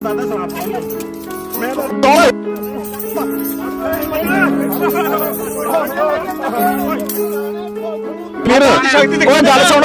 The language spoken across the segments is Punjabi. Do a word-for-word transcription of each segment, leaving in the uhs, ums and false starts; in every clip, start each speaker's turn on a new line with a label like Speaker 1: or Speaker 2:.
Speaker 1: ਸਾਡਾ ਸਰਾਪ ਮੈਂ ਫਿਰ ਉਹ ਗੱਲ ਸੁਣ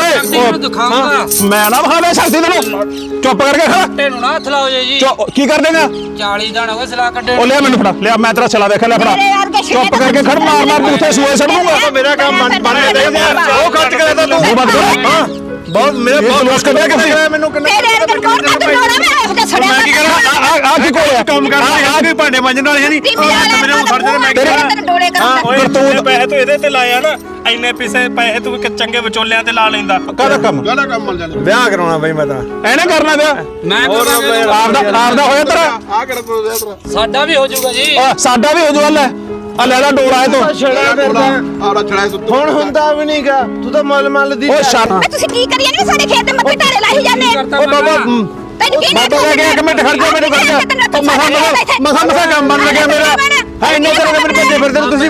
Speaker 1: ਮੈਂ ਨਾ ਵਿਖਾਵੇ ਸ਼ਕਤੀ ਤੈਨੂੰ ਚੁੱਪ ਕਰਕੇ ਖੜਾ
Speaker 2: ਤੈਨੂੰ ਨਾ ਹੱਥ ਲਾਓ ਜੀ
Speaker 1: ਕੀ ਕਰ ਦੇਗਾ
Speaker 2: ਚਾਲੀ ਦਿਨ ਹੋ ਗਏ ਸਲਾਹ ਕੱਢੇ
Speaker 1: ਉਹ ਲਿਆ ਮੈਨੂੰ ਫੜਾ ਲਿਆ ਮੈਂ ਤੇਰਾ ਛਲਾ ਵੇਖ ਲਿਆ ਫੜਾ ਚੁੱਪ ਕਰਕੇ ਖੜ ਮਾਰ ਮਾਰ ਉੱਥੇ ਸੂਏ ਛੱਡ ਦੂੰਗਾ ਮੇਰਾ ਕੰਮ ਬਣ ਬਣ ਉਹ ਖਰਚ ਕਰਦਾ ਤੂੰ ਉਹ ਬੰਦ ਕਰ ਹਾਂ ਬਹੁਤ ਮੇਰੇ ਬਹੁਤ ਲੋਸ ਕੱਢਿਆ ਕਿਸੇ ਮੈਨੂੰ ਕਿੰਨੇ
Speaker 3: ਤੇਰੇ ਅੰਦਰ ਕੋਣ ਕੱਢ ਲੋੜਾ ਮੈਂ ਇਹੋ ਜਿਹਾ ਛੜਿਆ
Speaker 1: ਮੈਂ ਕੀ ਕਰਾਂ ਆ ਆ ਕੀ ਕੋਲ ਕੰਮ ਕਰਦਾ ਆ ਕੋਈ ਭਾਂਡੇ ਮਾਂਜਣ ਵਾਲੇ ਹੈ ਨਹੀਂ ਮੈਨੂੰ ਫੜ ਦੇ ਮੈਂ
Speaker 3: ਤੈਨੂੰ ਡੋਲੇ ਕਰਾਂ
Speaker 1: ਓਏ ਤੂੰ ਪੈਸੇ ਤੂੰ ਇਹਦੇ ਤੇ ਲਾਇਆ ਨਾ ਇੰਨੇ ਪੈਸੇ ਪੈਸੇ ਤੂੰ ਚੰਗੇ ਵਿਚੋਲਿਆਂ ਤੇ ਲਾ ਲੈਂਦਾ ਕਾਹਦਾ ਕੰਮ ਕਾਹਦਾ ਕੰਮ ਮਿਲ ਜਾਂਦਾ ਵਿਆਹ ਕਰਾਉਣਾ ਬਈ ਮੈਂ ਤਾਂ ਐਨੇ ਕਰਨਾ ਵਿਆਹ
Speaker 2: ਮੈਂ
Speaker 1: ਆਪਦਾ ਆਪਦਾ ਹੋਇਆ ਤੇਰਾ
Speaker 4: ਆ ਕਿਹੜਾ ਪ੍ਰੋਜੈਕਟ ਤੇਰਾ
Speaker 2: ਸਾਡਾ ਵੀ ਹੋ ਜਾਊਗਾ ਜੀ
Speaker 1: ਸਾਡਾ ਵੀ ਹੋ ਜਾਊਗਾ ਲੈ ਆ ਲੈ ਲੈ ਡੋਲਾ ਇਹ ਤੋਂ
Speaker 4: ਛੜਾ ਫਿਰਦਾ ਆਰਾ ਛੜਾ ਸੁੱਤ ਹੁਣ ਹੁੰਦਾ ਵੀ ਨਹੀਂਗਾ ਤੂੰ ਤਾਂ ਮਲ ਮਲ ਦੀ
Speaker 1: ਓ ਛੱਡ
Speaker 3: ਮੈਂ ਤੁਸੀਂ ਕੀ ਕਰੀ ਜਾਂਦੇ ਸਾਡੇ ਖੇਤ ਦੇ ਮੱਥੇ ਢਾਰੇ ਲਾਈ ਜਾਂਦੇ
Speaker 1: ਓ ਬਾਬਾ
Speaker 3: ਤੈਨੂੰ ਕੀ
Speaker 1: ਬਾਬਾ ਕਹਿ ਗਿਆ ਇੱਕ ਮਿੰਟ ਖੜ ਜਾ ਮੈਨੂੰ ਖੜ ਜਾ ਓ ਮਸਾ ਮਸਾ ਮਸਾ ਕੰਮ ਬਣ ਲੱਗਿਆ ਮੇਰਾ ਹੈ ਇੰਨੇ ਤਰ੍ਹਾਂ ਦੇ ਮੈਨੂੰ ਭੱਜੇ ਫਿਰਦੇ ਤੁਸੀਂ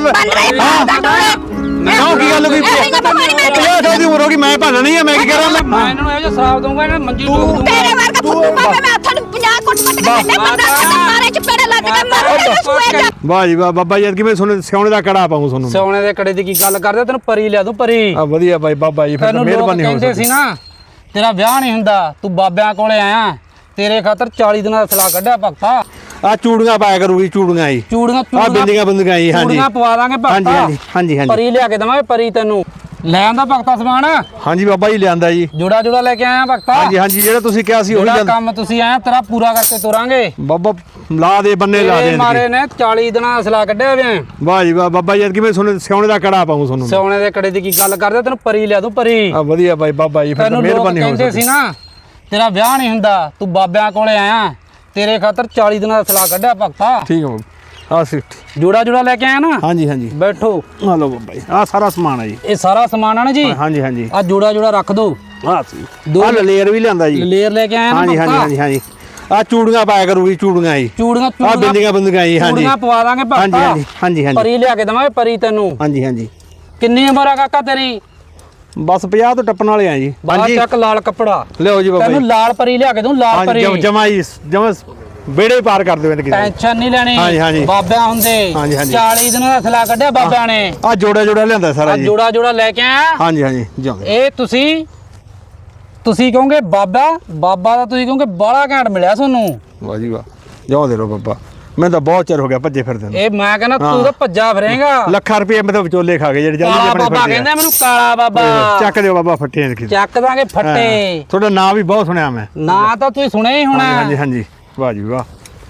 Speaker 1: ਹਾਂ ਕਿਉਂ ਕੀ ਗੱਲ ਹੋਈ ਪੰਜਾਹ ਸਾਲ ਦੀ ਉਮਰ ਹੋ ਗਈ ਮੈਂ ਭਾਲਣਾ ਨਹੀਂ ਆ ਮੈਂ ਕੀ ਕਰਾਂ
Speaker 2: ਮੈਂ ਇਹਨਾਂ ਨੂੰ ਇਹੋ ਜਿਹਾ ਸ਼ਰਾਬ ਦਊਂਗਾ ਇਹਨਾਂ ਮੰਜੀ ਡੋਬ ਦੂੰਗਾ
Speaker 3: ਤੇਰੇ ਵਰਗਾ ਫੁੱਟੂ ਬਾਬਾ ਮੈਂ ਹੱਥਾਂ ਨੂੰ ਪੰਜਾਹ ਕੁੱਟ ਕੁੱਟ ਕੇ ਕੱਢੇ ਬੰਦਾ ਮਾਰੇ ਚਪੇੜੇ ਲੱਗ ਕੇ ਮਾਰੇ ਸੂਏ ਜਾ
Speaker 1: ਵਾਹ ਜੀ ਵਾਹ ਬਾਬਾ ਜੀ ਕਿਵੇਂ ਸੁਣ ਸਿਆਉਣੇ ਦਾ ਕੜਾ ਪਾਉਂ ਤੁਹਾਨੂੰ
Speaker 2: ਸੋਨੇ ਦੇ ਕੜੇ ਦੀ ਕੀ ਗੱਲ ਕਰਦੇ ਤੈਨੂੰ ਪਰੀ ਲਿਆ ਦੂੰ ਪਰੀ
Speaker 1: ਆ ਵਧੀਆ ਬਾਈ ਬਾਬਾ ਜੀ ਫਿਰ ਤਾਂ ਮਿਹਰਬਾਨੀ ਹੋ
Speaker 2: ਕਹਿੰਦੇ ਸੀ ਨਾ ਤੇਰਾ ਵਿਆਹ ਨਹੀਂ ਹੁੰਦਾ ਤੂੰ ਬਾਬਿਆਂ ਕੋਲੇ ਆਇਆ ਤੇਰੇ ਖਾਤਰ ਚਾਲੀ ਦਿਨਾਂ ਦਾ ਸਲਾਹ ਕੱਢਿਆ ਭਗਤਾ
Speaker 1: ਆ ਚੂੜੀਆਂ ਪਾਇਆ ਕਰੂਗੀ ਚੂੜੀਆਂ ਜੀ
Speaker 2: ਚੂੜੀਆਂ
Speaker 1: ਆ ਬਿੰਦੀਆਂ ਬੰਦੀਆਂ ਜੀ ਹਾਂਜੀ
Speaker 2: ਚੂੜੀਆਂ ਪਵਾ ਦਾਂਗੇ ਭਗਤਾ
Speaker 1: ਹਾਂਜੀ ਹਾਂਜੀ ਹਾਂਜੀ
Speaker 2: ਪਰੀ ਲਿਆ ਕੇ ਦਵਾਂਗੇ ਪਰੀ ਤੈਨੂੰ ਲੈ ਆਂਦਾ ਭਗਤਾ ਸਮਾਨ
Speaker 1: ਹਾਂਜੀ ਬਾਬਾ ਜੀ ਲਿਆਂਦਾ ਜੀ
Speaker 2: ਜੋੜਾ ਜੋੜਾ ਲੈ ਕੇ ਆਇਆ ਭਗਤਾ
Speaker 1: ਹਾਂਜੀ ਹਾਂਜੀ ਜਿਹੜਾ ਤੁਸੀਂ ਕਿਹਾ ਸੀ ਉਹੀ
Speaker 2: ਜਿਹੜਾ ਕੰਮ ਤੁਸੀਂ ਆਇਆ ਤੇਰਾ ਪੂਰਾ ਕਰਕੇ ਤੋਰਾਂਗੇ
Speaker 1: ਬਾਬਾ ਲਾ ਦੇ ਬੰਨੇ ਲਾ ਦੇ
Speaker 2: ਮਾਰੇ ਨੇ ਚਾਲੀ ਦਿਨਾਂ ਦਾ ਸਲਾਹ ਕੱਢਿਆ ਵੇ
Speaker 1: ਵਾਹ ਜੀ ਵਾਹ ਬਾਬਾ ਜੀ ਕਿਵੇਂ ਸੁਣ ਸਿਆਉਣੇ ਦਾ ਕੜਾ ਪਾਉਂ ਤੁਹਾਨੂੰ
Speaker 2: ਸੋਨੇ ਦੇ ਕੜੇ ਦੀ ਕੀ ਗੱਲ ਕਰਦੇ ਤੈਨੂੰ ਪਰੀ ਲਿਆ ਦੂੰ ਪਰੀ
Speaker 1: ਆ ਵਧੀਆ ਬਾਈ ਬਾਬਾ ਜੀ ਫਿਰ ਤਾਂ ਮਿਹਰਬਾਨੀ ਹੋ
Speaker 2: ਕਹਿੰਦੇ ਸੀ ਨਾ ਤੇਰਾ ਵਿਆਹ ਨਹੀਂ ਹੁੰਦਾ ਤੂੰ ਬਾਬਿਆਂ ਕੋਲੇ ਆਇਆ ਤੇਰੇ ਖਾਤਰ ਚਾਲੀ ਦਿਨਾਂ ਦਾ ਸਲਾਹ ਕੱਢਿਆ ਭਗਤਾ
Speaker 1: ਠੀਕ ਹੈ ਆ ਸਿੱਟ
Speaker 2: ਜੋੜਾ ਜੋੜਾ ਲੈ ਕੇ ਆਇਆ ਨਾ
Speaker 1: ਹਾਂਜੀ ਹਾਂਜੀ
Speaker 2: ਬੈਠੋ
Speaker 1: ਆ ਲਓ ਬਾਬਾ ਜੀ ਆ ਸਾਰਾ ਸਮਾਨ ਹੈ ਜੀ
Speaker 2: ਇਹ ਸਾਰਾ ਸਮਾਨ ਆ ਨਾ ਜੀ
Speaker 1: ਹਾਂਜੀ ਹਾਂਜੀ
Speaker 2: ਆ ਜੋੜਾ ਜੋੜਾ ਰੱਖ ਦੋ
Speaker 1: ਆ ਸੀ ਆ ਲੇਅਰ ਵੀ ਲਿਆਂਦਾ ਜੀ
Speaker 2: ਲੇਅਰ ਲੈ ਕੇ ਆਇਆ ਨਾ
Speaker 1: ਹਾਂਜੀ ਹਾਂਜੀ ਹਾਂਜੀ ਹਾਂਜੀ ਆ ਚੂੜੀਆਂ ਪਾਇਆ ਕਰੂਗੀ ਚੂੜੀਆਂ ਜੀ
Speaker 2: ਚੂੜੀਆਂ
Speaker 1: ਆ ਬਿੰਦੀਆਂ ਬੰਦੀਆਂ ਜੀ ਹਾਂਜੀ
Speaker 2: ਚੂੜੀਆਂ ਪਵਾ ਦਾਂਗੇ ਭਗਤਾ
Speaker 1: ਹਾਂਜੀ ਹਾਂਜੀ ਹਾਂਜੀ ਹਾਂਜੀ
Speaker 2: ਪਰੀ ਲਿਆ ਕੇ ਦਵਾਂਗੇ ਪਰੀ ਤੈਨੂੰ
Speaker 1: ਹਾਂਜੀ ਹਾਂਜੀ
Speaker 2: ਕਿੰਨੀ ਉਮਰ ਆ ਕਾਕਾ ਤੇਰੀ
Speaker 1: ਬਸ ਪੰਜਾਹ ਤੋਂ ਟੱਪਣ ਵਾਲੇ ਆ ਜੀ
Speaker 2: ਬਾਹਰ ਚੱਕ ਲਾਲ ਕੱਪੜਾ
Speaker 1: ਲਿਓ ਜੀ ਬਾਬਾ
Speaker 2: ਤੈਨੂੰ
Speaker 1: ਜੀ
Speaker 2: ਲਾਲ ਪਰੀ ਲਿਆ ਕੇ ਦੂੰ ਲਾਲ ਪਰੀ
Speaker 1: ਹਾਂਜੀ ਜਮਾ ਜੀ ਜਮਾ ਬੇੜੇ ਪਾਰ ਕਰ ਦੇਵੇ ਕਿਸੇ
Speaker 2: ਟੈਨਸ਼ਨ ਨਹੀਂ ਲੈਣੀ
Speaker 1: ਹਾਂਜੀ, ਹਾਂਜੀ।
Speaker 2: ਬਾਬਿਆਂ ਹੁੰਦੇ
Speaker 1: ਹਾਂਜੀ, ਹਾਂਜੀ।
Speaker 2: ਚਾਲੀ ਦਿਨਾਂ ਦਾ ਸਲਾਹ ਕੱਢਿਆ ਬਾਬਿਆਂ ਨੇ
Speaker 1: ਆ ਜੋੜਾ ਜੋੜਾ ਲਿਆਂਦਾ ਸਾਰਾ
Speaker 2: ਆ
Speaker 1: ਜੀ
Speaker 2: ਜੋੜਾ ਜੋੜਾ ਲੈ ਕੇ ਆਇਆ
Speaker 1: ਹਾਂਜੀ ਹਾਂਜੀ ਜਾਂਦੇ
Speaker 2: ਇਹ ਤੁਸੀਂ ਤੁਸੀਂ ਕਹੋਗੇ ਬਾਬਾ ਬਾਬਾ ਦਾ ਤੁਸੀਂ ਕਹੋਗੇ ਬਾਲਾ ਘੈਂਟ ਮਿਲਿਆ ਤੁਹਾਨੂੰ
Speaker 1: ਵਾਹ ਜੀ ਵਾਹ ਜਾਓ ਦੇ ਰੋ ਬਾਬਾ ਮੈਂ ਤਾਂ ਬਹੁਤ ਚਿਰ ਹੋ ਗਿਆ ਭੱਜੇ ਫਿਰਦੇ ਨੂੰ
Speaker 2: ਇਹ ਮੈਂ ਕਹਿੰਦਾ ਤੂੰ ਤਾਂ ਭੱਜਾ ਫਿਰੇਗਾ
Speaker 1: ਲੱਖਾਂ ਰੁਪਏ ਮੈਂ ਤਾਂ ਵਿਚੋਲੇ ਖਾ ਗਏ ਜਿਹੜੇ ਜਾਂਦੇ
Speaker 2: ਕਾਲਾ
Speaker 1: ਆਪਣੇ
Speaker 2: ਬਾਬਾ
Speaker 1: ਫਿਰਦੇ
Speaker 2: ਕਹਿੰਦਾ ਮੈਨੂੰ ਕਾਲਾ ਬਾਬਾ
Speaker 1: ਚੱਕ ਦਿਓ ਬਾਬਾ ਫੱਟੇ ਦੇਖੀ
Speaker 2: ਚੱਕ ਦਾਂਗੇ ਫੱਟੇ
Speaker 1: ਤੁਹਾਡਾ ਨਾਮ ਵੀ ਬਹੁਤ ਸੁਣਿਆ ਮੈਂ
Speaker 2: ਨਾ ਤਾਂ ਤੁਸੀਂ ਸੁਣਿਆ ਹੀ ਹੋਣਾ
Speaker 1: ਹਾਂਜੀ ਹਾਂਜੀ ਵਾਹ ਜੀ ਵਾਹ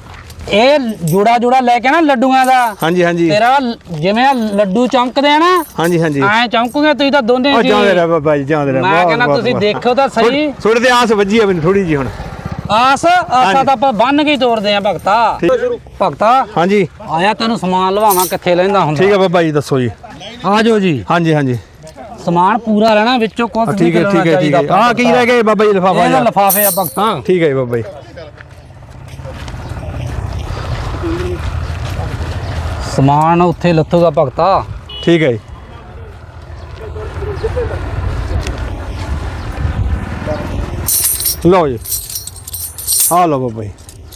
Speaker 2: ਇਹ ਜੋੜਾ ਜੋੜਾ ਲੈ ਕੇ ਨਾ ਲੱਡੂਆਂ ਦਾ
Speaker 1: ਹਾਂਜੀ ਹਾਂਜੀ
Speaker 2: ਤੇਰਾ ਜਿਵੇਂ ਲੱਡੂ ਚਮਕਦੇ ਆ ਨਾ
Speaker 1: ਹਾਂਜੀ ਹਾਂਜੀ
Speaker 2: ਐ ਚਮਕੂਗੇ ਤੁਸੀਂ ਤਾਂ ਦੋਨੇ
Speaker 1: ਉਹ
Speaker 2: ਜੀ
Speaker 1: ਜਾਂਦੇ ਰਹਿ ਬਾਬਾ ਜੀ ਜਾਂਦੇ ਰਹਿ
Speaker 2: ਮੈਂ ਕਹਿੰਦਾ ਤੁਸੀਂ ਦੇਖੋ ਤਾਂ ਸਹੀ
Speaker 1: ਥੋੜੇ ਤੇ ਆਸ ਵੱਜੀ ਆ ਮੈਨੂੰ ਥੋੜੀ ਜੀ ਹੁਣ
Speaker 2: ਆਸ ਆਸਾ ਤਾਂ ਆਪਾਂ ਬੰਨ ਕੇ ਹੀ ਤੋਰਦੇ ਆ ਭਗਤਾ ਭਗਤਾ
Speaker 1: ਹਾਂਜੀ
Speaker 2: ਆਇਆ ਤੈਨੂੰ ਸਮਾਨ ਲਵਾਵਾਂ ਕਿੱਥੇ ਲੈਂਦਾ ਹੁੰਦਾ
Speaker 1: ਠੀਕ ਹੈ ਬਾਬਾ ਜੀ ਦੱਸੋ ਜੀ
Speaker 2: ਆ ਜਾਓ ਜੀ
Speaker 1: ਹਾਂਜੀ ਹਾਂਜੀ
Speaker 2: ਸਮਾਨ ਪੂਰਾ ਲੈਣਾ ਵਿੱਚੋਂ ਕੁਝ ਨਹੀਂ
Speaker 1: ਠੀਕ ਹੈ ਠੀਕ ਹੈ ਠੀਕ ਹੈ ਆ ਕੀ ਰਹਿ ਗਿਆ ਬਾਬਾ ਜੀ ਲਿਫਾਫਾ
Speaker 2: ਇਹਦਾ ਲਿਫਾਫੇ ਆ ਭਗਤਾ
Speaker 1: ਠੀਕ ਹੈ ਜੀ ਬਾਬਾ ਜੀ
Speaker 2: ਸਮਾਨ ਉੱਥੇ ਲੱਥੂਗਾ ਭਗਤਾ
Speaker 1: ਠੀਕ ਹੈ ਜੀ ਲਓ ਜੀ ਆ ਲਓ ਬਾਬਾ ਜੀ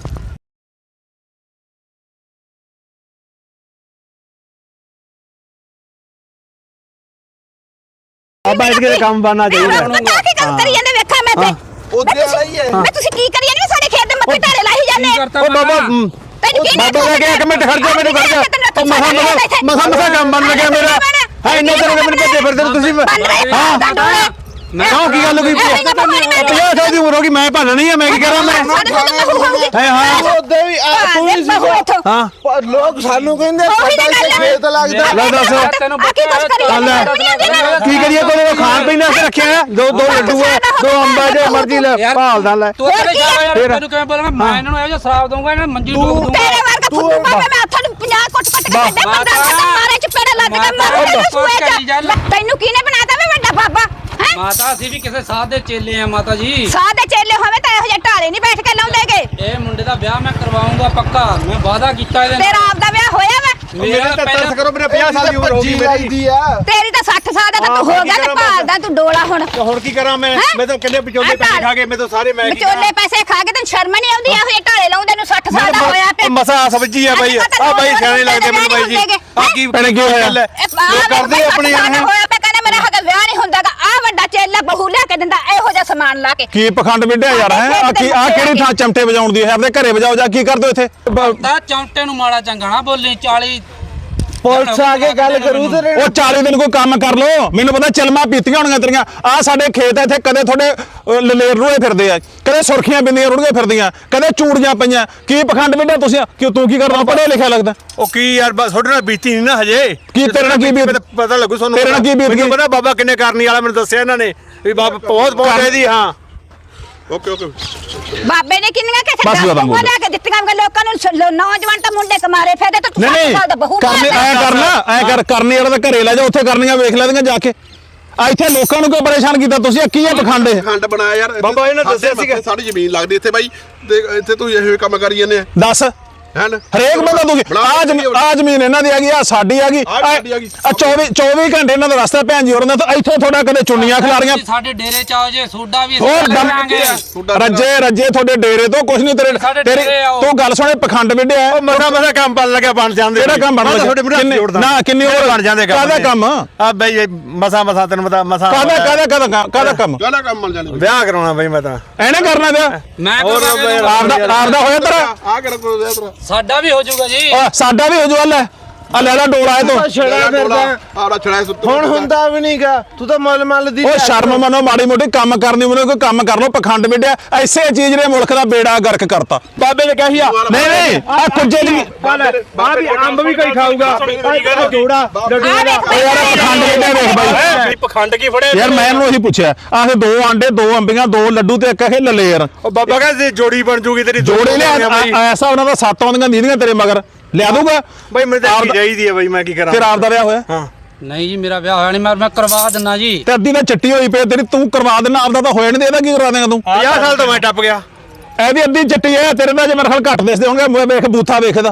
Speaker 1: ਆ ਬੈਠ ਕੇ ਕੰਮ ਬਣਨਾ ਚਾਹੀਦਾ
Speaker 3: ਕੀ ਗੱਲ ਕਰੀ ਜਾਂਦੇ ਵੇਖਾਂ ਮੈਂ ਤੇ
Speaker 4: ਉਹਦੇ ਵਾਲਾ ਹੀ ਹੈ
Speaker 3: ਮੈਂ ਤੁਸੀਂ ਕੀ ਕਰੀ ਜਾਂਦੇ ਸਾਡੇ ਖੇਤ ਦੇ ਮੱਥੇ ਢਾਰੇ ਲਾਈ ਜਾਂਦੇ
Speaker 1: ਉਹ ਬਾਬਾ
Speaker 3: ਤੈਨੂੰ ਕੀ
Speaker 1: ਬਾਬਾ ਕਹਿ ਗਿਆ ਇੱਕ ਮਿੰਟ ਖੜ ਜਾ ਮੈਨੂੰ ਖੜ ਜਾ ਉਹ ਮਸਾ ਮਸਾ ਮਸਾ ਕੰਮ ਬਣ ਲੱਗਿਆ ਮੇਰਾ ਹੈ ਇੰਨੇ ਤਰ੍ਹਾਂ ਦੇ ਮੈਨੂੰ ਭੱਜੇ ਫਿਰਦੇ ਤੁਸੀਂ ਹਾਂ ਕਿਉਂ ਕੀ ਗੱਲ ਹੋਈ ਪੰਜਾਹ ਸਾਲ ਦੀ ਉਮਰ ਹੋ ਗਈ ਮੈਂ ਭਾਲਣਾ ਨਹੀਂ ਆ ਮੈਂ ਕੀ ਕਰਾਂ ਮੈਂ ਹੈ ਹਾਂ
Speaker 4: ਉਹਦੇ ਵੀ ਆ ਤੂੰ ਵੀ ਸੀ
Speaker 1: ਹਾਂ
Speaker 4: ਪਰ ਲੋਕ ਸਾਨੂੰ ਕਹਿੰਦੇ ਸਾਡਾ ਇੱਥੇ ਖੇਤ ਲੱਗਦਾ
Speaker 1: ਲੈ ਦੱਸ
Speaker 2: ਤੈਨੂੰ
Speaker 1: ਚੱਲ ਕੀ ਕਰੀਏ ਕੋਲੇ ਖਾਣ ਪੀਣ ਵਾਸਤੇ ਰੱਖਿਆ ਦੋ ਦੋ ਲੱਡੂ ਆ ਦੋ ਅੰਬਾ ਜੇ ਮਰਜ਼ੀ ਲੈ ਭਾਲਦਾ ਲੈ
Speaker 2: ਤੂੰ ਕਿਹੜੇ ਜਾ ਯਾਰ ਤੈਨੂੰ ਕਿਵੇਂ ਬੋਲਣਾ ਮੈਂ ਇਹਨਾਂ ਨੂੰ ਇਹੋ ਜਿਹਾ ਸ਼ਰਾਬ ਦਊਂਗਾ ਇਹਨਾਂ ਮੰਜੀ ਡੋਬ ਦੂੰਗਾ
Speaker 3: ਤੇਰੇ ਵਰਗਾ ਫੁੱਟੂ ਬਾਬਾ ਮੈਂ ਹੱਥਾਂ ਨੂੰ ਪੰਜਾਹ ਕੁੱਟ ਕੁੱਟ ਕੇ ਕੱਢੇ ਬੰਦਾ ਮਾਰੇ ਚਪੇੜੇ ਲੱਗ ਕੇ ਮਾਰੇ ਸੂਏ ਜਾ ਤੈਨੂੰ ਕਿਹਨੇ ਬਣਾਤਾ ਵੇ ਵੱਡਾ ਬਾਬਾ
Speaker 2: ਮਾਤਾ ਅਸੀਂ ਵੀ ਕਿਸੇ ਸਾਧ ਦੇ ਚੇਲੇ ਆ ਮਾਤਾ ਜੀ
Speaker 3: ਸਾਧ ਦੇ ਚੇਲੇ ਹੋਵੇ ਤਾਂ ਇਹੋ ਜਿਹੇ ਢਾਲੇ ਨਹੀਂ ਬੈਠ ਕੇ ਲਾਉਂਦੇਗੇ
Speaker 2: ਇਹ ਮੁੰਡੇ ਦਾ ਵਿਆਹ ਮੈਂ ਕਰਵਾਉਂਗਾ ਪੱਕਾ ਮੈਂ ਵਾਅਦਾ ਕੀਤਾ ਇਹਦੇ
Speaker 3: ਤੇਰਾ ਆਪਦਾ ਵਿਆਹ ਹੋਇਆ ਵਾ
Speaker 4: ਮੇਰੇ ਤਾਂ ਤਰਸ ਕਰੋ ਮੇਰੇ ਪੰਜਾਹ ਸਾਲ ਦੀ ਉਮਰ ਹੋ ਗਈ ਮੇਰੀ
Speaker 3: ਤੇਰੀ ਤਾਂ ਸੱਠ ਸਾਲ ਦਾ ਤਾਂ ਤੂੰ ਹੋ ਗਿਆ ਤੇ ਭਾਲਦਾ ਤੂੰ ਡੋਲਾ ਹੁਣ
Speaker 4: ਤੇ ਹੁਣ ਕੀ ਕਰਾਂ ਮੈਂ ਮੈਂ ਤਾਂ ਕਿੰਨੇ ਵਿਚੋਲੇ ਪੈਸੇ ਖਾ ਕੇ ਮੈਂ ਤਾਂ ਸਾਰੇ ਮੈਂ
Speaker 3: ਵਿਚੋਲੇ ਪੈਸੇ ਖਾ ਕੇ ਤੈਨੂੰ ਸ਼ਰਮ ਨਹੀਂ ਆਉਂਦੀ ਇਹੋ ਜਿਹੇ ਢਾਲੇ ਲਾਉਂਦੇ ਨੂੰ ਸੱਠ ਸਾਲ ਦਾ ਹੋਇਆ ਪਿਆ
Speaker 4: ਮਸਾ ਸਮਝੀ ਆ ਬਾਈ ਆ ਬਾਈ ਸਿਆਣੇ ਲੱਗਦੇ ਮੈਨੂੰ ਬਾਈ ਜੀ ਆ ਕੀ
Speaker 1: ਭੈਣੇ ਕੀ ਹੋਇਆ?
Speaker 4: ਲੋਕ ਕਰਦੇ ਆਪਣੇ
Speaker 3: ਯਾਰ ਹੋਇਆ ਪਿਆ ਕਹਿੰਦੇ ਮੇਰਾ ਹੱਕ ਵਿਆਹ ਨਹੀਂ ਹੁੰਦਾਗਾ ਆ ਵੱਡਾ ਚੇਲਾ ਬਹੂ ਲਿਆ ਕੇ ਦਿੰਦਾ ਇਹੋ ਜਿਹਾ ਸਮਾਨ ਲਾ ਕੇ
Speaker 1: ਕੀ ਪਖੰਡ ਵਿੱਢਿਆ ਯਾਰ ਹੈ ਆ ਕੀ ਆ ਕਿਹੜੀ ਥਾਂ ਚਮਟੇ ਵਜਾਉਣ ਦੀ ਹੈ ਆਪਣੇ ਘਰੇ ਵਜਾਓ ਜਾ ਕੀ ਕਰਦੇ ਹੋ ਇੱਥੇ
Speaker 2: ਤਾਂ ਚੌਂਟੇ ਨੂੰ ਮਾੜਾ ਚੰਗਾ ਨਾ ਬੋਲੀ ਚਾਲੀ
Speaker 5: ਪੁਲਿਸ ਆ ਕੇ ਗੱਲ ਕਰੂ ਤੇ
Speaker 1: ਉਹ ਚਾਲੀ ਦਿਨ ਕੋਈ ਕੰਮ ਕਰ ਲੋ ਮੈਨੂੰ ਪਤਾ ਚਲਮਾ ਪੀਤੀਆਂ ਹੋਣਗੀਆਂ ਤੇਰੀਆਂ ਆ ਸਾਡੇ ਖੇਤ ਆ ਇੱਥੇ ਕਦੇ ਤੁਹਾਡੇ ਅਹ, ਲਲੇਰ ਰੋਏ ਫਿਰਦੇ ਆ ਕਦੇ ਸੁਰਖੀਆਂ ਬਿੰਦੀਆਂ ਰੁੜੀਆਂ ਫਿਰਦੀਆਂ ਕਦੇ ਚੂੜੀਆਂ ਪਈਆਂ ਕੀ ਪਖੰਡ ਵਿੱਢਿਆ ਤੁਸੀਂ ਕਿ ਤੂੰ ਕੀ ਕਰਦਾ ਪੜ੍ਹਿਆ ਲਿਖਿਆ ਲੱਗਦਾ
Speaker 4: ਉਹ ਕੀ ਯਾਰ ਬਸ ਤੁਹਾਡੇ ਨਾਲ ਬੀਤੀ ਨਹੀਂ ਨਾ ਹਜੇ
Speaker 1: ਕੀ ਤੇਰੇ ਨਾਲ ਕੀ ਬੀਤ
Speaker 4: ਪਤਾ ਲੱਗੂ ਤੁਹਾਨੂੰ
Speaker 1: ਤੇਰੇ ਨਾਲ ਕੀ ਬੀਤ ਗਈ?
Speaker 4: ਮੈਨੂੰ ਪਤਾ ਬਾਬਾ ਕਿੰਨੇ ਕਰਨੀ ਵਾਲਾ ਮੈਨੂੰ ਦੱਸਿਆ ਇਹਨਾਂ ਨੇ ਵੀ ਬਾਬਾ ਬਹੁਤ ਬਹੁਤ ਇਹਦੀ ਹਾਂ ਓਕੇ ਓਕੇ
Speaker 3: ਬਾਬੇ ਨੇ ਕਿੰਨੀਆਂ ਕਿਸੇ
Speaker 1: ਬਸ
Speaker 3: ਦਸ
Speaker 1: ਬਾਬਾ
Speaker 3: ਬੋਲਿਆ ਕੇ ਦਿੱਤੀਆਂ ਵਾ ਲੋਕਾਂ ਨੂੰ ਸ- ਨੌਜਵਾਨ ਤਾਂ ਮੁੰਡੇ ਕਮਾਰੇ ਫਿਰਦੇ ਤਾਂ ਤੂੰ
Speaker 1: ਨਹੀਂ
Speaker 3: ਸੱਠ
Speaker 1: ਨਹੀਂ
Speaker 3: ਸਾਲ ਦਾ ਬਹੂ
Speaker 1: ਕਰਨੇ ਐ ਕਰਨਾ ਐ ਕਰ ਕਰਨੀ ਵਾਲਾ ਤਾਂ ਘਰੇ ਲੈ ਜਾ ਉੱਥੇ ਕਰਨੀਆਂ ਵੇਖ ਲੈਂਦੀਆਂ ਜਾ ਕੇ ਆ ਇੱਥੇ ਲੋਕਾਂ ਨੂੰ ਕਿਉਂ ਪਰੇਸ਼ਾਨ ਕੀਤਾ ਤੁਸੀਂ ਕੀ ਹੈ ਪਖੰਡ ਇਹ
Speaker 6: ਖੰਡ ਬਣਾਇਆ ਯਾਰ
Speaker 4: ਬਾਬਾ ਇਹਨੇ ਦੱਸਿਆ ਸੀਗਾ।
Speaker 6: ਸਾਡੀ ਜ਼ਮੀਨ ਲੱਗਦੀ ਇੱਥੇ ਬਾਈ ਤੇ ਇੱਥੇ ਤੂੰ ਇਹੋ ਕੰਮ ਕਰੀ ਜਾਂਦੇ ਆ
Speaker 1: ਦੱਸ
Speaker 6: ਹੈਨ
Speaker 1: ਹਰੇਕ ਬੰਦਾ ਤੁਸੀਂ ਆ ਜ਼ਮੀਨ ਆ ਜ਼ਮੀਨ ਇਹਨਾਂ ਦੀ ਹੈਗੀ ਆ ਸਾਡੀ ਹੈਗੀ
Speaker 6: ਆਹ ਸਾਡੀ ਹੈਗੀ।
Speaker 1: ਆ ਚੌਵੀ ਚੌਵੀ ਘੰਟੇ ਇਹਨਾਂ ਦਾ ਰਸਤਾ ਭੈਣ ਜੀ ਹੋਰਾਂ ਦਾ ਤਾਂ ਇੱਥੇ ਤੁਹਾਡਾ ਕਦੇ ਚੁੰਨੀਆਂ ਖਿਲਾਰੀਆਂ
Speaker 2: ਸਾਡੇ ਡੇਰੇ ਚ ਆਓ ਜੇ ਸੋਡਾ ਵੀ
Speaker 1: ਹੋਰ
Speaker 2: ਅਸੀਂ
Speaker 1: ਦਮ
Speaker 2: ਕਰਾਂਗੇ
Speaker 1: ਰੱਜੇ ਰੱਜੇ ਤੁਹਾਡੇ ਡੇਰੇ ਤੋਂ ਕੁਝ ਨਹੀਂ ਤੇਰੇ
Speaker 2: ਸਾਡੇ
Speaker 1: ਤੇਰੀ
Speaker 2: ਡੇਰੇ ਆਓ।
Speaker 1: ਤੂੰ ਗੱਲ ਸੁਣੇ ਪਖੰਡ ਵਿੱਢਿਆ
Speaker 4: ਉਹ ਮਸਾ ਮਸਾ ਕੰਮ ਬਣ ਲੱਗਿਆ ਬਣ ਜਾਂਦੇ
Speaker 1: ਕਿਹੜਾ ਕੰਮ ਬਣ
Speaker 4: ਮੈਂ ਤਾਂ
Speaker 1: ਲੱਗਿਆ?
Speaker 4: ਤੁਹਾਡੇ ਮੂਹਰੇ ਹੱਥ
Speaker 1: ਕਿੰਨੇ-
Speaker 4: ਜੋੜਦਾ
Speaker 1: ਨਾ, ਕਿੰਨੀ ਉਮਰ
Speaker 4: ਬਣ ਜਾਂਦੇ ਕੰਮ
Speaker 1: ਕਾਹਦਾ ਕੰਮ?
Speaker 4: ਆ ਬਈ ਮਸਾ ਮਸਾ ਤੈਨੂੰ ਪਤਾ ਮਸਾ
Speaker 1: ਕਾਹਦਾ ਕਾਹਦਾ ਕਾਹਦਾ ਕਾਹਦਾ ਕੰਮ
Speaker 6: ਗਾਲਾ ਕੰਮ ਮਿਲ ਜਾਣੀ
Speaker 4: ਵਿਆਹ ਕਰਾਉਣਾ ਬਈ ਮੈਂ ਤਾਂ
Speaker 1: ਐਨੇ ਕਰਨਾ ਪਿਆ
Speaker 2: ਮੈਂ
Speaker 4: ਹੋਰ
Speaker 2: ਕਰਾਂਗੇ
Speaker 4: ਬਈ,
Speaker 2: ਇਹਨੂੰ।
Speaker 1: ਆਪਦਾ ਆਪਦਾ ਹੋਇਆ ਤੇਰਾ
Speaker 6: ਆ ਕਰ ਕੋ ਦੇ ਤੇਰਾ
Speaker 2: ਸਾਡਾ ਵੀ ਹੋ ਜਾਊਗਾ ਜੀ
Speaker 1: ਆ, ਸਾਡਾ ਵੀ ਹੋ ਜੂ ਲੈ ਆ ਲੈ ਲੈ ਡੋਲਾ ਇਹ ਤੋਂ
Speaker 5: ਛੜਾ ਫਿਰਦਾ
Speaker 6: ਆਰਾ ਛੜਾਏ ਸੁੱਤ
Speaker 5: ਹੁਣ ਹੁੰਦਾ ਵੀ ਨਹੀਂਗਾ ਤੂੰ ਤਾਂ ਮੁੱਲ ਮੱਲ ਦੀ
Speaker 1: ਉਹ ਸ਼ਰਮ ਮੰਨੋ ਮਾੜੀ ਮੋਟੀ ਕੰਮ ਕਰਨੀ ਮੈਨੂੰ ਕੋਈ ਕੰਮ ਕਰ ਲੋ ਪਖੰਡ ਵਿੱਢਿਆ ਐਸੇ ਚੀਜ਼ ਨੇ ਮੁਲਕ ਦਾ ਬੇੜਾ ਗਰਕ ਕਰਤਾ ਬਾਬੇ ਨੇ ਕਹੀ ਆ ਨਹੀਂ ਨਹੀਂ ਆ ਕੁੱਜੇ ਦੀ
Speaker 4: ਆ ਵੀ ਅੰਬ ਵੀ ਕੋਈ ਖਾਊਗਾ ਆ ਜੋੜਾ
Speaker 1: ਉਹ ਯਾਰ ਆਹ ਪਖੰਡ ਵਿੱਢਿਆ ਵੇਖ ਬਾਈ
Speaker 4: ਪਖੰਡ ਕੀ ਫੜੇ
Speaker 1: ਯਾਰ ਮੈਂ ਇਹਨੂੰ ਉਹੀ ਪੁੱਛਿਆ ਆਹ ਦੋ ਆਂਡੇ ਦੋ ਅੰਬੀਆਂ ਦੋ ਲੱਡੂ ਤੇ ਇੱਕ ਇਹ ਲਲੇਰ
Speaker 4: ਉਹ ਬਾਬਾ ਕਹਿੰਦੇ ਜੋੜੀ ਬਣ ਜੂਗੀ ਤੇਰੀ
Speaker 1: ਜੋੜੇ ਲਿਆ ਐਸਾ ਉਹਨਾਂ ਦਾ ਸੱਤ ਆਉਂਦੀਆਂ ਨੀਂਦੀਆਂ ਤੇਰੇ ਮਗਰ ਲਿਆ ਦੂਗਾ
Speaker 4: ਬਈ ਮੈਨੂੰ ਤਾਂ ਕੀ ਚਾਹੀਦੀ ਹੈ ਬਈ ਮੈਂ ਕੀ ਕਰਾਂ
Speaker 1: ਫਿਰ ਆਪ ਦਾ ਵਿਆਹ ਹੋਇਆ
Speaker 4: ਹਾਂ
Speaker 2: ਨਹੀਂ ਜੀ ਮੇਰਾ ਵਿਆਹ ਹੋਇਆ ਨਹੀਂ ਮੈਂ ਮੈਂ ਕਰਵਾ ਦਿੰਨਾ ਜੀ
Speaker 1: ਤੇ ਅੱਧੀ ਤਾਂ ਚੱਟੀ ਹੋਈ ਪਈ ਤੇਰੀ ਤੂੰ ਕਰਵਾ ਦੇਣਾ ਆਪਦਾ ਤਾਂ ਹੋਇਆ ਨਹੀਂ ਇਹਦਾ ਕੀ ਕਰਵਾ ਦੇਗਾ ਤੂੰ
Speaker 4: ਪੰਜਾਹ ਸਾਲ ਤੋਂ ਮੈਂ ਟੱਪ ਗਿਆ
Speaker 1: ਇਹਦੀ ਅੱਧੀ ਚੱਟੀ ਹੈ ਤੇਰੇ ਦਾ ਜੇ ਮੇਰੇ ਖਿਆਲ ਘੱਟ ਦਿਸਦੇ ਹੋਣਗੇ ਮੈਂ ਵੇਖ ਬੂਥਾ ਵੇਖਦਾ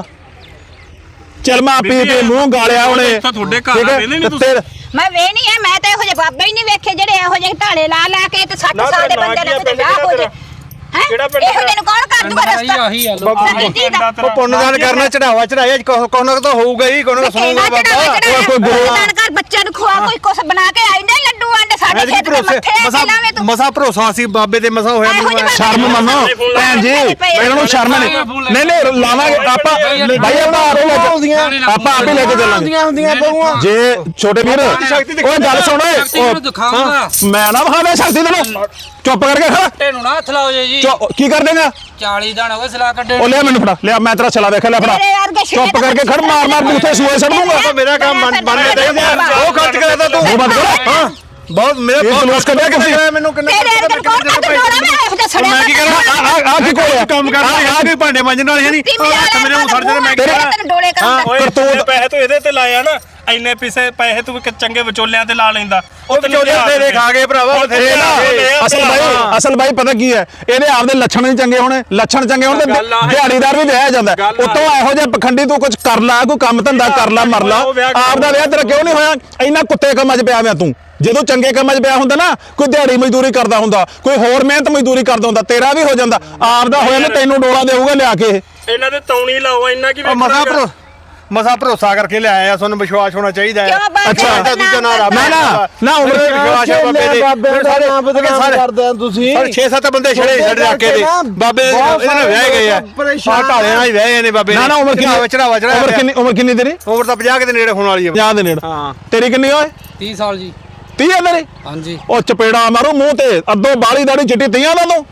Speaker 1: ਚਲਮਾ ਪੀ ਪੀ ਮੂੰਹ ਗਾਲਿਆ ਉਹਨੇ
Speaker 4: ਤੁਹਾਡੇ
Speaker 1: ਠੀਕ ਹੈ? ਤੇ
Speaker 3: ਮੈਂ ਵੇ ਨਹੀਂ ਹੈ ਮੈਂ ਤਾਂ ਇਹੋ ਜਿਹੇ ਬਾਬੇ ਹੀ ਨਹੀਂ ਵੇਖੇ ਜਿਹੜੇ ਇਹੋ ਜਿਹੇ ਢਾਲੇ ਲਾ ਲਾ ਕੇ ਤੇ ਸੱਠ
Speaker 4: ਨਾ
Speaker 3: ਸਾਲ ਦੇ
Speaker 4: ਨਾ
Speaker 3: ਬੰਦੇ
Speaker 4: ਕੀ
Speaker 3: ਨਾਲ
Speaker 4: ਆ,
Speaker 3: ਕਿਤੇ
Speaker 4: ਪਿੰਡ
Speaker 3: ਵਿਆਹ ਹੋ ਜੇ
Speaker 4: ਕਿਹੜਾ
Speaker 3: ਹੈ
Speaker 4: ਕਿਹੜਾ ਪਿੰਡ
Speaker 3: ਇਹੋ ਜਿਹੇ ਨੂੰ ਕੌਣ ਕਰ ਦੂਗਾ
Speaker 2: ਆਹੀ
Speaker 3: ਰਸਤਾ
Speaker 2: ਆਹੀ ਆ
Speaker 3: ਸਾਡੀ ਧੀ ਦਾ
Speaker 4: ਉਹ ਪੁੰਨਦਾਨ ਕਰਨਾ ਚੜਾਵਾ ਚੜਾਇਆ ਕੋਹ ਨਾ ਤਾਂ ਹੋਊਗਾ ਹੀ ਕੋਹ ਨਾ ਸੁਣੂਗਾ
Speaker 3: ਕਿਹੜਾ
Speaker 4: ਬਾਬਾ
Speaker 3: ਚੜਾਵਾ
Speaker 1: ਉਹ ਕੋਈ ਗੁਰੂ-
Speaker 3: ਚੜਾਵਾ ਕਰ ਬੱਚਿਆਂ ਨੂੰ ਖਵਾ ਕੋਈ ਕੁਛ ਬਣਾ ਕੇ ਆਈਂਦੇ ਲੱਡੂ ਆਂਡੇ ਸਾਡੇ
Speaker 4: ਐਤਕੀ
Speaker 3: ਖੇਤ ਦੇ
Speaker 4: ਭਰੋਸੇ
Speaker 3: ਮੱਥੇ
Speaker 4: ਮਸਾ
Speaker 3: ਲਾਵੇਂ ਤੂੰ
Speaker 4: ਮਸਾ ਭਰੋਸਾ ਸੀ ਬਾਬੇ ਤੇ ਮਸਾ ਹੋਇਆ
Speaker 3: ਇਹੋ ਜਿਹੇ
Speaker 4: ਮੈਨੂੰ
Speaker 1: ਸ਼ਰਮ ਮੰਨੋ ਭੈਣ ਜੀ ਇਹਨਾਂ ਨੂੰ ਸ਼ਰਮ ਨਹੀਂ ਨਹੀਂ ਨਹੀਂ ਲਾਵਾਂਗੇ ਆਪਾਂ ਭਾਈ ਆਪਾਂ ਆਪੇ ਲੈ ਕੇ ਆਪਾਂ ਆਪੇ ਲੈ ਕੇ ਚੱਲਾਂਗੇ
Speaker 5: ਹੁੰਦੀਆਂ ਹੁੰਦੀਆਂ ਬਹੂਆਂ
Speaker 1: ਜੇ ਛੋਟੇ ਵੀਰ ਓਏ ਗੱਲ ਸੁਣ ਓਏ
Speaker 2: ਸ਼ਕਤੀ ਨੂੰ ਦਿਖਾਉਂਗਾ
Speaker 1: ਮੈਂ ਨਾ ਵਿਖਾਵੇ ਸ਼ਕਤੀ ਤੈਨੂੰ ਚੁੱਪ ਕਰਕੇ ਖੜਾ
Speaker 2: ਟੇ ਨੂੰ ਨਾ ਹੱਥ ਲਾਓ ਜੀ
Speaker 1: ਚੁੱਪ- ਕੀ ਕਰ ਦੇਗਾ
Speaker 2: ਚਾਲੀ ਦਿਨ ਹੋ ਗਏ ਸਲਾਹ ਕੱਢੇ
Speaker 1: ਉਹ ਲਿਆ ਮੈਨੂੰ ਫੜਾ ਲਿਆ ਮੈਂ ਤੇਰਾ ਛਲਾ ਵੇਖ ਲਿਆ ਫੜਾ
Speaker 3: ਮੇਰੇ ਵਰਗੇ ਛਿੱਲੇ
Speaker 1: ਚੁੱਪ ਕਰਕੇ ਖੜ ਮਾਰ ਮਾਰ ਬੂਥੇ ਸੂਏ ਸੜ ਦੂੰਗਾ
Speaker 4: ਮੇਰਾ ਕੰਮ ਬਣ ਬਣ ਗਿਆ ਉਹ ਖਰਚ ਕਰਦਾ ਤੂੰ
Speaker 1: ਉਹ ਬੰਦ ਕਰ
Speaker 4: ਹਾਂ ਬਹੁਤ ਮੇਰਾ
Speaker 1: ਇਹ ਜਲੂਸ ਕੱਢਿਆ ਕਿੱਥੇ?
Speaker 4: ਮੈਨੂੰ ਕਿੰਨੇ
Speaker 3: ਤੇਰੇ ਵਰਗੇ ਕੌਣ ਕਰ ਦੂਗਾ ਮੈਂ ਇਹੋ ਜਿਹਾ ਸੜਿਆ
Speaker 4: ਮੈਂ ਕੀ ਕਰਾਂ
Speaker 1: ਆ ਆ ਆ ਕੀ ਕੋਲਿਆ
Speaker 4: ਕੰਮ ਕਰਦਾ ਆ ਕੋਈ ਭਾਂਡੇ ਮਾਂਜਣ ਵਾਲੇ ਹੈ ਨਹੀਂ ਹੱਥ ਮੇਰੇ ਨੂੰ ਸੜ ਜਾਣੇ ਮੈਂ ਕੀ ਕਰਾਂ
Speaker 3: ਤੈਨੂੰ ਡੋਲੇ ਕਰਾਂ
Speaker 7: ਓਏ
Speaker 1: ਕਰਤੂਤ।
Speaker 7: ਜਿੰਨੇ ਪੈਸੇ ਤੂੰ ਇਹਦੇ ਤੇ ਲਾਇਆ ਨਾ ਇੰਨੇ ਪੈਸੇ ਪੈਸੇ ਤੂੰ ਕਿ ਚੰਗੇ ਵਿਚੋਲਿਆਂ ਤੇ ਲਾ ਲੈਂਦਾ
Speaker 4: ਉਹ ਵਿਚੋਲੇ ਤੇਰੇ ਖਾ ਗਏ ਭਰਾਵਾ
Speaker 1: ਇਹ ਨਾ ਅਸਲ ਬਾਈ ਅਸਲ ਬਾਈ ਪਤਾ ਕੀ ਹੈ ਇਹਦੇ ਆਪਦੇ ਲੱਛਣ ਨਹੀਂ ਚੰਗੇ ਹੋਣੇ ਲੱਛਣ ਚੰਗੇ ਹੋਣ ਤੇ
Speaker 7: ਗੱਲ ਆ ਇਹ।
Speaker 1: ਦਿਹਾੜੀਦਾਰ ਵੀ ਵਿਆਹ ਜਾਂਦਾ
Speaker 7: ਗੱਲ ਆ
Speaker 1: ਉਤੋਂ ਇਹੋ ਜਿਹਾ ਪਖੰਡੀ ਤੂੰ ਕੁਝ ਕਰ ਲਾ ਕੋਈ ਕੰਮ ਧੰਦਾ ਕਰ ਲਾ ਮਰ ਲਾ
Speaker 7: ਉਹ ਵਿਆਹ
Speaker 1: ਆਪ ਦਾ ਵਿਆਹ ਤੇਰਾ ਕਿਉਂ ਨਹੀਂ ਹੋਇਆ ਇੰਨਾ ਕੁੱਤੇ ਕੰਮਾਂ 'ਚ ਪਿਆ ਹੋਇਆ ਤੂੰ ਜਦੋਂ ਚੰਗੇ ਕੰਮਾਂ 'ਚ ਪਿਆ ਹੁੰਦਾ ਨਾ ਕੋਈ ਦਿਹਾੜੀ ਮਜ਼ਦੂਰੀ ਕਰਦਾ ਹੁੰਦਾ ਕੋਈ ਹੋਰ ਮਿਹਨਤ ਮਜ਼ਦੂਰੀ ਕਰਦਾ ਹੁੰਦਾ ਤੇਰਾ ਵੀ ਹੋ ਜਾਂਦਾ ਆਪ ਦਾ ਹੋਇਆ ਨਾ ਤੈਨੂੰ ਡੋਲਾ ਦੇਊਗਾ ਲਿਆ ਕੇ ਇਹ।
Speaker 7: ਇਹਨਾਂ ਦੇ ਤੌਣੀ ਲਾਓ ਇੰਨਾ ਕੀ
Speaker 4: ਉਹ ਮਸਾ ਭਰੋ ਮਸਾ ਭਰੋਸਾ ਕਰਕੇ ਲਿਆਇਆ ਤੁਹਾਨੂੰ ਵਿਸ਼ਵਾਸ ਹੋਣਾ ਚਾਹੀਦਾ ਹੈ
Speaker 3: ਕਿਉਂ ਬਾਬੇ
Speaker 1: ਅੱਛਾ।
Speaker 3: ਦਾ
Speaker 4: ਦੂਜਾ ਨਾ ਰੱਬ
Speaker 1: ਨਾ ਨਾ ਨਾ ਉਮਰ
Speaker 4: ਮੇਰੇ ਵਿਸ਼ਵਾਸ ਹੈ ਬਾਬੇ ਦੇ
Speaker 5: ਬਾਬੇ ਦਾ
Speaker 4: ਸਾਰੇ
Speaker 5: ਨਾਮ ਬਦਨਾਮ
Speaker 4: ਸਾਰੇ
Speaker 5: ਕਰਦੇ ਆ ਤੁਸੀਂ
Speaker 4: ਪਰ ਛੇ ਸੱਤ ਬੰਦੇ ਛੜੇ ਛੜ ਰੱਖੇ ਦੇ ਬਾਬੇ ਇਹਦੇ ਨਾਲ ਵਿਆਹ ਗਏ ਆ ਆ ਢਾਲੇ ਨਾਲ ਹੀ ਵਿਆਹੇ ਨੇ ਬਾਬੇ
Speaker 1: ਨਾ ਨਾ ਉਮਰ ਕਿੰਨੀ
Speaker 4: ਚੜਾਵਾ ਚੜਾਵਾ
Speaker 1: ਉਮਰ ਕਿੰਨੀ ਉਮਰ ਕਿੰਨੀ ਤੇਰੀ
Speaker 4: ਉਮਰ ਤਾਂ ਪੰਜਾਹ ਦੇ ਨੇੜੇ ਹੋਣ ਵਾਲੀ ਹੈ
Speaker 1: ਪੰਜਾਹ ਦੇ ਨੇੜੇ
Speaker 4: ਹਾਂ
Speaker 1: ਤੇਰੀ ਕਿੰਨੀ ਓਏ
Speaker 2: ਤੀਹ ਸਾਲ ਜੀ
Speaker 1: ਤੀਹ ਹੈ ਤੇਰੀ
Speaker 2: ਹਾਂਜੀ
Speaker 1: ਉਹ ਚਪੇੜਾ ਮਾਰੂ ਮੂੰਹ ਤੇ ਅੱਧੋ ਬਾਲੀ ਦਾੜੀ ਚਿੱਟੀ ਤੀਆਂ ਦਾ ਤੂੰ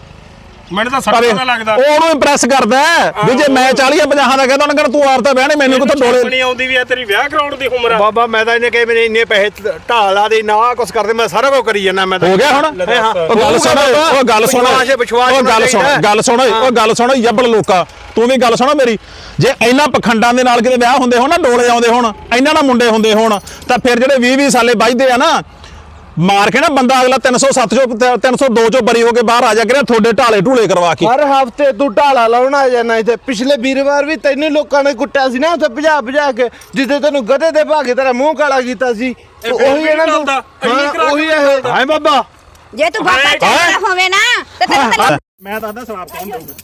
Speaker 7: ਮੈਨੂੰ ਤਾਂ
Speaker 1: ਪਰ
Speaker 7: ਸੱਟ ਦਾ ਲੱਗਦਾ
Speaker 1: ਉਹ ਉਹਨੂੰ ਇੰਪ੍ਰੈਸ ਕਰਦਾ ਹੈ ਵੀ ਜੇ ਮੈਂ ਚਾਲੀ ਜਾਂ ਪੰਜਾਹ ਦਾ ਕਹਿੰਦਾ ਉਹਨੇ ਕਹਿੰਦਾ ਤੂੰ ਆਰਤਾ ਬਹਿਣੇ ਮੈਨੂੰ ਕਿੱਥੋਂ ਡੋਲੇ
Speaker 7: ਨਹੀਂ ਆਉਂਦੀ ਵੀ ਆ ਤੇਰੀ ਵਿਆਹ ਕਰਾਉਣ ਦੀ ਉਮਰ ਆ
Speaker 4: ਬਾਬਾ ਮੈਂ ਤਾਂ ਇਹਨੇ ਕਹੇ ਮੇਰੇ ਇੰਨੇ ਪੈਸੇ ਢਾਲਾ ਦੇ ਨਾ ਕੁਛ ਕਰਦੇ ਮੈਂ ਸਾਰਾ ਕੁਝ ਕਰੀ ਜਾਂਦਾ ਮੈਂ ਤਾਂ
Speaker 1: ਹੋ ਗਿਆ ਹੁਣ ਉਹ ਗੱਲ ਸੁਣ ਉਹ ਗੱਲ ਸੁਣ
Speaker 4: ਵਿਸ਼ਵਾਸ ਹੈ, ਵਿਸ਼ਵਾਸ
Speaker 1: ਉਹ ਗੱਲ ਸੁਣ
Speaker 4: ਚਾਹੀਦਾ।
Speaker 1: ਗੱਲ ਸੁਣ ਉਹ ਗੱਲ ਸੁਣ ਯੱਬਲ ਲੋਕਾ ਤੂੰ ਵੀ ਗੱਲ ਸੁਣ ਮੇਰੀ ਜੇ ਇੰਨਾ ਪਖੰਡਾਂ ਦੇ ਨਾਲ ਕਿਤੇ ਵਿਆਹ ਹੁੰਦੇ ਹੋਣ ਨਾ ਡੋਲੇ ਆਉਂਦੇ ਹੋਣ ਇੰਨਾ ਨਾ ਮੁੰਡੇ ਹੁੰਦੇ ਹੋਣ ਤਾਂ ਫਿਰ ਜਿਹੜੇ ਵੀਹ ਵੀਹ ਸਾਲੇ ਵੱਜਦੇ ਆ ਨਾ ਮਾਰ ਕੇ ਨਾ ਬੰਦਾ ਅਗਲਾ ਤਿੰਨ ਸੌ ਸੱਤ ਚੋਂ ਤਿੰਨ ਸੌ ਦੋ ਚੋਂ ਬਰੀ ਹੋ ਕੇ ਬਾਹਰ ਆ ਜਾ ਕਰਿਆ ਤੁਹਾਡੇ ਢਾਲੇ ਢੂਲੇ ਕਰਵਾ ਕੇ।
Speaker 5: ਹਰ ਹਫਤੇ ਤੂੰ ਢਾਲਾ ਲਾਉਣ ਆ ਜਾਣਾ ਇੱਥੇ। ਪਿਛਲੇ ਵੀਰਵਾਰ ਵੀ ਤੈਨੂੰ ਲੋਕਾਂ ਨੇ ਕੁੱਟਿਆ ਸੀ ਨਾ ਉੱਥੇ ਭਜਾ ਭਜਾ ਕੇ, ਜਿੱਦੇ ਤੈਨੂੰ ਗਧੇ ਦੇ ਭਾਗੇ ਤੇਰਾ ਮੂੰਹ ਕਾਲਾ ਕੀਤਾ ਸੀ। ਉਹੀ ਇਹਨਾਂ ਨੂੰ ਹਾਂ, ਉਹੀ ਇਹ
Speaker 1: ਹਾਏ ਬਾਬਾ
Speaker 3: ਜੇ ਤੂੰ ਬਾਬਾ ਚੰਗਾ ਹੋਵੇ ਨਾ ਤੇ ਤੈਨੂੰ ਤਾਂ
Speaker 6: ਮੈਂ ਤਾਂ ਦੱਸ ਸਵਾਰ ਕੌਣ ਦਊਗਾ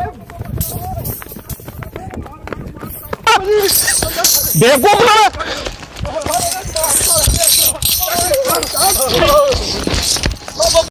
Speaker 1: ਬੇਵਕੂਫ ਨਾ